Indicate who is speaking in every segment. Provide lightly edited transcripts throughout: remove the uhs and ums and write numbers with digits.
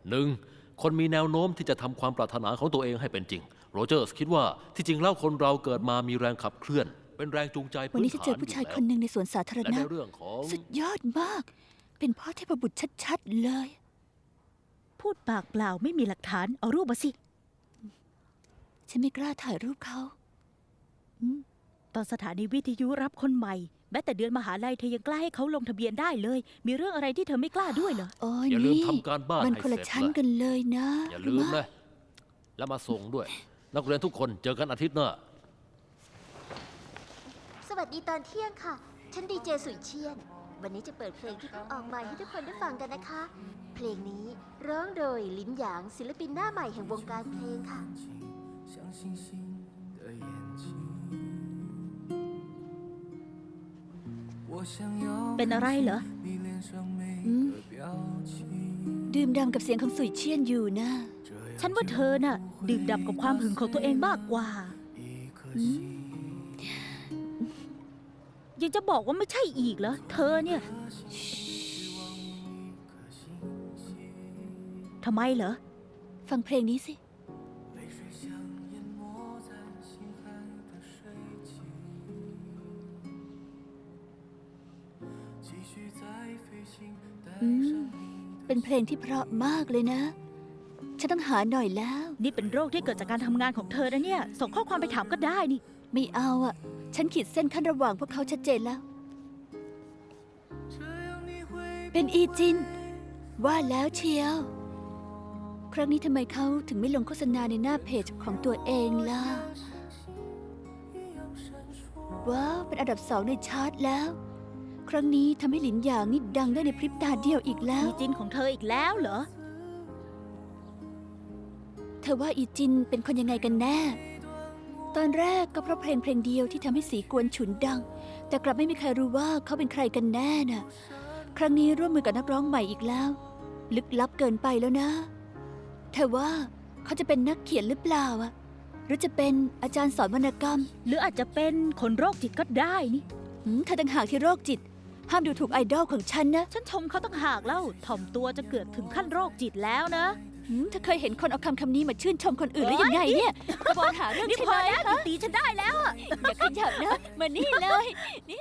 Speaker 1: 1. คนมีแนวโน้มที่จะทำความปรารถนาของตัวเองให้เป็นจริงโรเจอร์สคิดว่าที่จริงแล้วคนเราเกิดมามีแรงขับเคลื่อนเป็นแรงจูงใจ
Speaker 2: วัน
Speaker 1: พื้น
Speaker 2: นี้ฉัน
Speaker 1: ฐา
Speaker 2: เจ
Speaker 1: น
Speaker 2: อ
Speaker 1: อ
Speaker 2: ผู้
Speaker 1: ยู่
Speaker 2: ชาย
Speaker 1: แล้
Speaker 2: คน
Speaker 1: ว
Speaker 2: หนึ่งในสวนสาธาร
Speaker 1: และ
Speaker 2: ณะ
Speaker 1: ในเรื่องของ
Speaker 2: สุดยอดมาก เป็นพ่อเทพบุตรชัดๆเลย
Speaker 3: พูดปากเปล่าไม่มีหลักฐานเอารูปมาสิ
Speaker 2: ฉันไม่กล้าถ่ายรูปเขา
Speaker 3: ตอนสถานีวิทยุรับคนใหม่แม้แต่เดือนมหาลัยเธอยังกล้าให้เขาลงทะเบียนได้เลย มีเรื่องอะไรที่เธอไม่กล้าด้วยเหรอ
Speaker 2: โอ้ย
Speaker 1: อย่าลืม
Speaker 2: นี่
Speaker 1: ทำการบ้าน
Speaker 2: มัน
Speaker 1: ให้
Speaker 2: คนละ
Speaker 1: เสร็จ
Speaker 2: ชั้น
Speaker 1: ล่ะ
Speaker 2: กันเลยนะ
Speaker 1: อย่าลืมนะแล้วมาส่งด้วย นักเรียนทุกคนเจอกันอาทิตย์หน้า
Speaker 4: สวัสดีตอนเที่ยงค่ะ ฉันดีเจสุยเชียน วันนี้จะเปิดเพลงที่เพิ่งออกใหม่ให้ทุกคนได้ฟังกันนะคะ เพลงนี้ร้องโดยลินหยางศิลปินหน้าใหม่แห่งวงการเพลงค่ะ
Speaker 3: เป็นอะไรเหรอ
Speaker 2: ดื่มด่ำกับเสียงของสุยเชียนอยู่นะ
Speaker 3: ฉันว่าเธอน่ะดื่มด่ำกับความหึงของตัวเองมากกว่ายังจะบอกว่าไม่ใช่อีกเหรอ เธอเนี่ยทำไมเหรอ
Speaker 2: ฟังเพลงนี้สิ เป็นเพลงที่เพราะมากเลยนะ ฉันต้องหาหน่อยแล้ว
Speaker 3: นี่เป็นโรคที่เกิดจากการทำงานของเธอนะเนี่ย ส่งข้อความไปถามก็ได้นี่
Speaker 2: ไม่เอาอ่ะ ฉันขีดเส้นขั้นระหว่างพวกเขาชัดเจนแล้ว เป็นอีจิน ว่าแล้วเชียว ครั้งนี้ทำไมเขาถึงไม่ลงโฆษณาในหน้าเพจของตัวเองล่ะ ว้าว เป็นอันดับ2ในชาร์ตแล้ว ครั้งนี้ทำให้หลินหยางนี่ดังได้ในพริบตาเดียวอีกแล้ว
Speaker 3: มีจินของเธออีกแล้วเหรอ
Speaker 2: เธอว่าอีจินเป็นคนยังไงกันแน่ ตอนแรกก็เพราะเพลงเดียวที่ทำให้สีกวนฉุนดัง แต่กลับไม่มีใครรู้ว่าเขาเป็นใครกันแน่น่ะ ครั้งนี้ร่วมมือกับนักร้องใหม่อีกแล้ว ลึกลับเกินไปแล้วนะเธอว่าเขาจะเป็นนักเขียนหรือเปล่าอะหรือจะเป็นอาจารย์สอนวรรณกรรม
Speaker 3: หรืออาจจะเป็นคนโรคจิตก็ได้นี่
Speaker 2: เธอต่างหากที่โรคจิต ห้ามดูถูกไอดอลของฉันนะ
Speaker 3: ฉันชมเขาตั้งหากแล้วถ่อมตัวจะเกิดถึงขั้นโรคจิตแล้วนะ
Speaker 2: เธอเคยเห็นคนเอาคำนี้มาชื่นชมคนอื่นหรือยังไงเนี่ยกระบอนหาเรื่อง
Speaker 3: นี่
Speaker 2: ใช่
Speaker 3: พ
Speaker 2: ไห
Speaker 3: อ
Speaker 2: ม
Speaker 3: แล้ว
Speaker 2: ฮะ
Speaker 3: ตีฉันได้แล้วอะ
Speaker 2: อย่าขยับนะ มานี่เลย นี่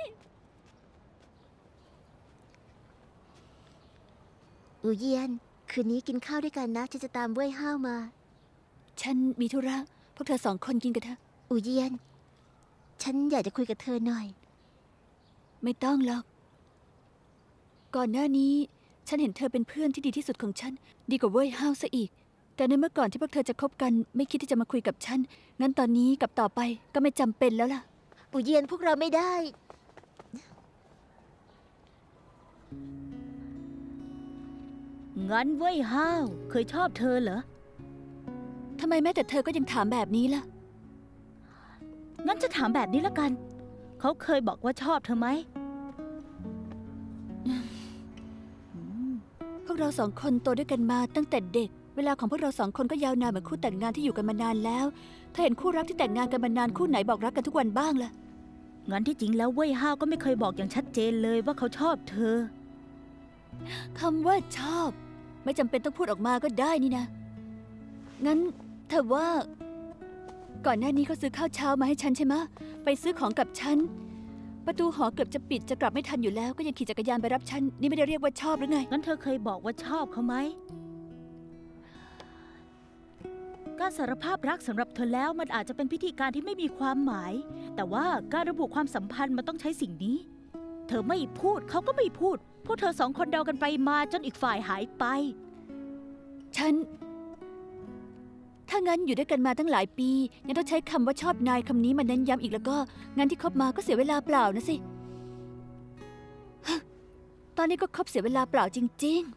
Speaker 4: อูเยียน คืนนี้กินข้าวด้วยกันนะ ฉันจะตามเว่ยห้าวมา
Speaker 2: ฉันมีธุระ พวกเธอ2 คนกินกันเถอะ
Speaker 4: อูเยียน ฉันอยากจะคุยกับเธอหน่อย
Speaker 2: ไม่ต้องหรอก ก่อนหน้านี้ ฉันเห็นเธอเป็นเพื่อนที่ดีที่สุดของฉัน ดีกว่าเว่ยห้าวซะอีก แต่ในเมื่อก่อนที่พวกเธอจะคบกัน ไม่คิดที่จะมาคุยกับฉัน งั้นตอนนี้กับต่อไปก็ไม่จำเป็นแล้วล่ะ
Speaker 4: อูเยียนพวกเราไม่ได้
Speaker 3: งั้นเว้ยห้าวเคยชอบเธอเหรอ
Speaker 2: ทำไมแม้แต่เธอก็ยังถามแบบนี้ล่ะ
Speaker 3: งั้นจะถามแบบนี้ละกัน เขาเคยบอกว่าชอบเธอไหม
Speaker 2: พวกเรา2 คนโตด้วยกันมาตั้งแต่เด็ก เวลาของพวกเรา2 คนก็ยาวนานเหมือนคู่แต่งงานที่อยู่กันมานานแล้ว ถ้าเห็นคู่รักที่แต่งงานกันมานานคู่ไหนบอกรักกันทุกวันบ้างล่ะ
Speaker 3: งั้นที่จริงแล้วเว้ยห้าวก็ไม่เคยบอกอย่างชัดเจนเลยว่าเขาชอบเธอ
Speaker 2: คำว่าชอบ ไม่จำเป็นต้องพูดออกมาก็ได้นี่นะ งั้นเธอว่า ก่อนหน้านี้เขาซื้อข้าวเช้ามาให้ฉันใช่ไหมะไปซื้อของกับฉัน ประตูหอเกือบจะปิดจะกลับไม่ทันอยู่แล้ว ก็ยังขี่จักรยานไปรับฉัน นี่ไม่ได้เรียกว่าชอบหรือไง
Speaker 3: งั้นเธอเคยบอกว่าชอบเขาไหม การสารภาพรักสำหรับเธอแล้วมันอาจจะเป็นพิธีการที่ไม่มีความหมาย แต่ว่าการระบุความสัมพันธ์มันต้องใช้สิ่งนี้ เธอไม่พูดเขาก็ไม่พูด พวกเธอ2 คนเดากันไปมาจนอีกฝ่ายหายไป
Speaker 2: ถ้างั้นอยู่ด้วยกันมาตั้งหลายปี ยังต้องใช้คำว่าชอบนายคำนี้มาเน้นย้ำอีกแล้วก็งานที่คบมาก็เสียเวลาเปล่านะสิฮะตอนนี้ก็คบเสียเวลาเปล่าจริง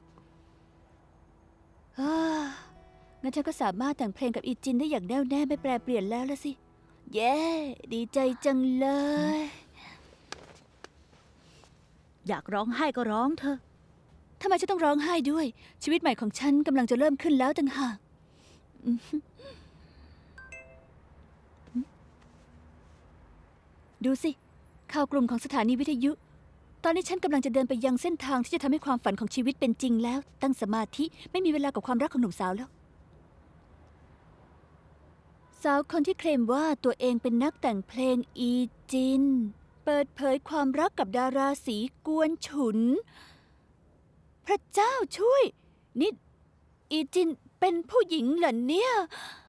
Speaker 2: ๆงั้นฉันก็สามารถแต่งเพลงกับอีจินได้อย่างแน่วแน่ไม่แปรเปลี่ยนแล้วละสิ เย้ ดีใจจังเลย
Speaker 3: อยากร้องไห้ก็ร้องเธอ
Speaker 2: ทำไมฉันต้องร้องไห้ด้วย ชีวิตใหม่ของฉันกำลังจะเริ่มขึ้นแล้วต่างหากดูสิ ข่าวกลุ่มของสถานีวิทยุตอนนี้ฉันกำลังจะเดินไปยังเส้นทางที่จะทำให้ความฝันของชีวิตเป็นจริงแล้ว ตั้งสมาธิไม่มีเวลากับความรักของหนุ่มสาวแล้ว สาวคนที่เคลมว่าตัวเองเป็นนักแต่งเพลงอีจิน เปิดเผยความรักกับดาราสีกวนฉุน พระเจ้าช่วย นี่อีจินเป็นผู้หญิงเหรอเนี่ย